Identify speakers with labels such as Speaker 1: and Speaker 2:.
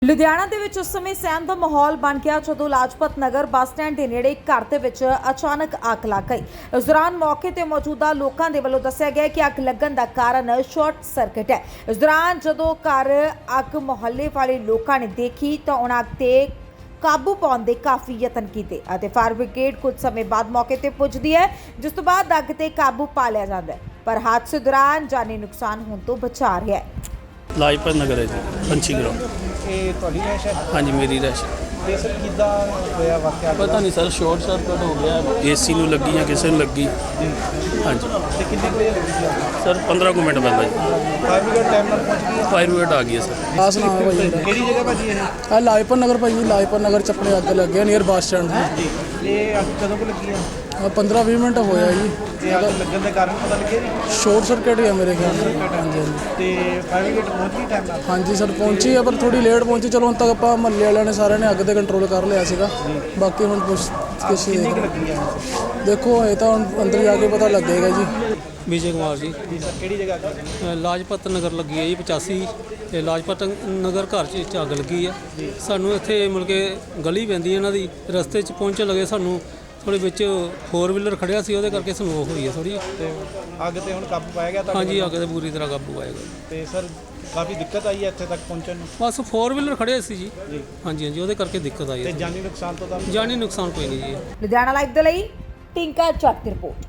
Speaker 1: ਲੁਧਿਆਣਾ ਦੇ ਵਿੱਚ ਉਸ ਸਮੇਂ ਸਹਿਮ ਦਾ ਮਾਹੌਲ ਬਣ ਗਿਆ ਜਦੋਂ ਲਾਜਪਤ ਨਗਰ ਬੱਸ ਸਟੈਂਡ ਦੇ ਨੇੜੇ ਇੱਕ ਘਰ ਦੇ ਵਿੱਚ ਅਚਾਨਕ ਅੱਗ ਲੱਗ ਗਈ। ਇਸ ਦੌਰਾਨ ਮੌਕੇ ਤੇ ਮੌਜੂਦਾ ਲੋਕਾਂ ਦੇ ਵੱਲੋਂ ਦੱਸਿਆ ਗਿਆ ਕਿ ਅੱਗ ਲੱਗਣ ਦਾ ਕਾਰਨ ਸ਼ਾਰਟ ਸਰਕਟ ਹੈ। ਇਸ ਦੌਰਾਨ ਜਦੋਂ ਘਰ ਅੱਗ ਮੁਹੱਲੇ ਵਾਲੇ ਲੋਕਾਂ ਨੇ ਦੇਖੀ ਤਾਂ ਉਹਨਾਂ ਅੱਗ ਤੇ ਕਾਬੂ ਪਾਉਣ ਦੇ ਕਾਫੀ ਯਤਨ ਕੀਤੇ ਅਤੇ ਫਾਇਰ ਬ੍ਰਿਗੇਡ ਕੁਝ ਸਮੇਂ ਬਾਅਦ ਮੌਕੇ ਤੇ ਪਹੁੰਚਦੀ ਹੈ, ਜਿਸ ਤੋਂ ਬਾਅਦ ਅੱਗ ਤੇ ਕਾਬੂ ਪਾ ਲਿਆ ਜਾਂਦਾ ਹੈ, ਪਰ ਹਾਦਸੇ ਦੌਰਾਨ ਜਾਨੀ ਨੁਕਸਾਨ ਹੋਣ ਤੋਂ ਬਚਾ ਰਿਹਾ ਹੈ।
Speaker 2: ਲਾਜਪਤ ਨਗਰ ਹੈ ਜੀ, ਪੰਛੀ ਗਰਾਊਂਡ।
Speaker 3: ਇਹ ਤੁਹਾਡੀ ਰਹਿਸ਼ ਹੈ?
Speaker 2: ਹਾਂਜੀ, ਮੇਰੀ ਰਹਿਸ਼।
Speaker 3: ਤੇ ਸਰ ਕਿੱਦਾਂ ਹੋਇਆ ਵਾਕਿਆ?
Speaker 2: ਪਤਾ ਨਹੀਂ ਸਰ, ਸ਼ਾਰਟ ਸਰਕਟ ਹੋ ਗਿਆ, ਏਸੀ ਨੂੰ ਲੱਗੀ ਜਾਂ ਕਿਸੇ ਨੂੰ ਲੱਗੀ। ਹਾਂਜੀ।
Speaker 3: ਤੇ ਕਿੰਨੇ ਕੁ ਵਜੇ ਲੱਗੀ ਸੀ ਅੱਗ?
Speaker 2: ਸਰ 15 ਕੁ ਮਿੰਟ ਪਹਿਲਾਂ ਜੀ
Speaker 3: ਫਾਇਰ ਬ੍ਰਿਗੇਡ ਟਾਈਮ ਨਾਲ ਪਹੁੰਚ ਗਈ ਹੈ?
Speaker 2: ਫਾਇਰ ਬ੍ਰਿਗੇਡ ਆ ਗਈ ਹੈ ਸਰ।
Speaker 4: ਆਸ ਨਾ ਭਾਈ
Speaker 3: ਕਿਹੜੀ ਜਗ੍ਹਾ ਭਾਜੀ ਇਹ?
Speaker 4: ਲਾਜਪਤ ਨਗਰ ਭਾਈ, ਲਾਜਪਤ ਨਗਰ ਚ ਆਪਣੇ ਅੱਗ ਲੱਗੇ ਨੀਅਰ ਬੱਸ ਸਟੈਂਡ
Speaker 3: ਜੀ। ਇਹ ਅੱਗ ਕਦੋਂ ਕੁ ਲੱਗੀ ਹੈ?
Speaker 4: 15-20 ਮਿੰਟ ਹੋਇਆ ਜੀ।
Speaker 3: ਤੇ ਅੱਗ ਲੱਗਣ ਦੇ ਕਾਰਨ ਪਤਾ ਲੱਗਿਆ ਜੀ?
Speaker 4: ਸ਼ਾਰਟ ਸਰਕਟ ਹੀ ਆ ਮੇਰੇ ਖਿਆਲ ਨਾਲ। ਹਾਂਜੀ
Speaker 3: ਤੇ ਫਾਇਰ ਬ੍ਰਿਗੇਡ ਪਹੁੰਚ ਗਈ ਟਾਈਮ ਨਾਲ?
Speaker 4: ਹਾਂਜੀ ਸਰ, ਪਹੁੰਚੀ ਆ ਪਰ ਥੋੜੀ ਲੇਟ ਪਹੁੰਚੀ। ਚਲੋ ਹੁਣ ਤੱਕ ਆਪਾਂ ਮਹੱਲੇ ਵਾਲਿਆਂ ਨੇ ਸਾਰਿਆਂ ਨੇ ਅੱਗ ਤੇ ਕੰਟਰੋਲ ਕਰ ਲਿਆ ਸੀਗਾ। ਬਾਕੀ ਹੁਣ ਕਿਸੇ
Speaker 3: ਕਿੰਨੀ ਕੁ ਲੱਗੀ ਹੈ?
Speaker 4: ਦੇਖੋ ਇਹ ਤਾਂ ਹੁਣ ਅੰਦਰ ਜਾ ਕੇ ਪਤਾ ਲੱਗੇਗਾ ਜੀ।
Speaker 2: ਵਿਜੇ ਕੁਮਾਰ ਜੀ,
Speaker 3: ਜੀ ਸਰ, ਕਿਹੜੀ ਜਗ੍ਹਾ ਅੱਗ ਲੱਗੀ?
Speaker 2: ਲਾਜਪਤ ਨਗਰ ਲੱਗੀ ਹੈ ਜੀ 85 ਤੇ ਲਾਜਪਤ ਨਗਰ ਘਰ 'ਚ ਅੱਗ ਲੱਗੀ ਆ। ਸਾਨੂੰ ਇੱਥੇ ਮਿਲ ਕੇ ਗਲੀ ਪੈਂਦੀ ਇਹਨਾਂ ਦੀ, ਰਸਤੇ 'ਚ ਪਹੁੰਚਣ ਲੱਗੇ ਸਾਨੂੰ ਥੋੜੇ ਵਿੱਚ 4 ਵੀਲਰ ਖੜਿਆ ਸੀ, ਉਹਦੇ ਕਰਕੇ ਸਾਨੂੰ ਉਹ ਹੋਈ ਹੈ ਥੋੜੀ।
Speaker 3: ਤੇ ਅੱਗ ਤੇ ਹੁਣ ਕਾਬੂ ਪਾਇਆ ਗਿਆ?
Speaker 2: ਹਾਂਜੀ, ਅੱਗ ਤੇ ਪੂਰੀ ਤਰ੍ਹਾਂ ਕਾਬੂ ਆਏਗਾ।
Speaker 3: ਤੇ ਸਰ ਕਾਫੀ ਦਿੱਕਤ ਆਈ ਹੈ ਇੱਥੇ ਤੱਕ ਪਹੁੰਚਣ ਨੂੰ?
Speaker 2: ਬਸ 4 ਵੀਲਰ ਖੜੇ ਸੀ ਜੀ। ਹਾਂਜੀ, ਉਹਦੇ ਕਰਕੇ ਦਿੱਕਤ ਆਈ
Speaker 3: ਤੇ
Speaker 2: ਹੈ।
Speaker 3: ਜਾਨੀ ਨੁਕਸਾਨ ਤੋਂ ਤਾਂ?
Speaker 2: ਜਾਨੀ ਨੁਕਸਾਨ ਕੋਈ ਨਹੀਂ ਜੀ।
Speaker 1: ਲੁਧਿਆਣਾ ਲਾਈਵ ਦੇ ਲਈ ਟਿੰਕਾ ਚੱਕ ਦੀ ਰਿਪੋਰਟ।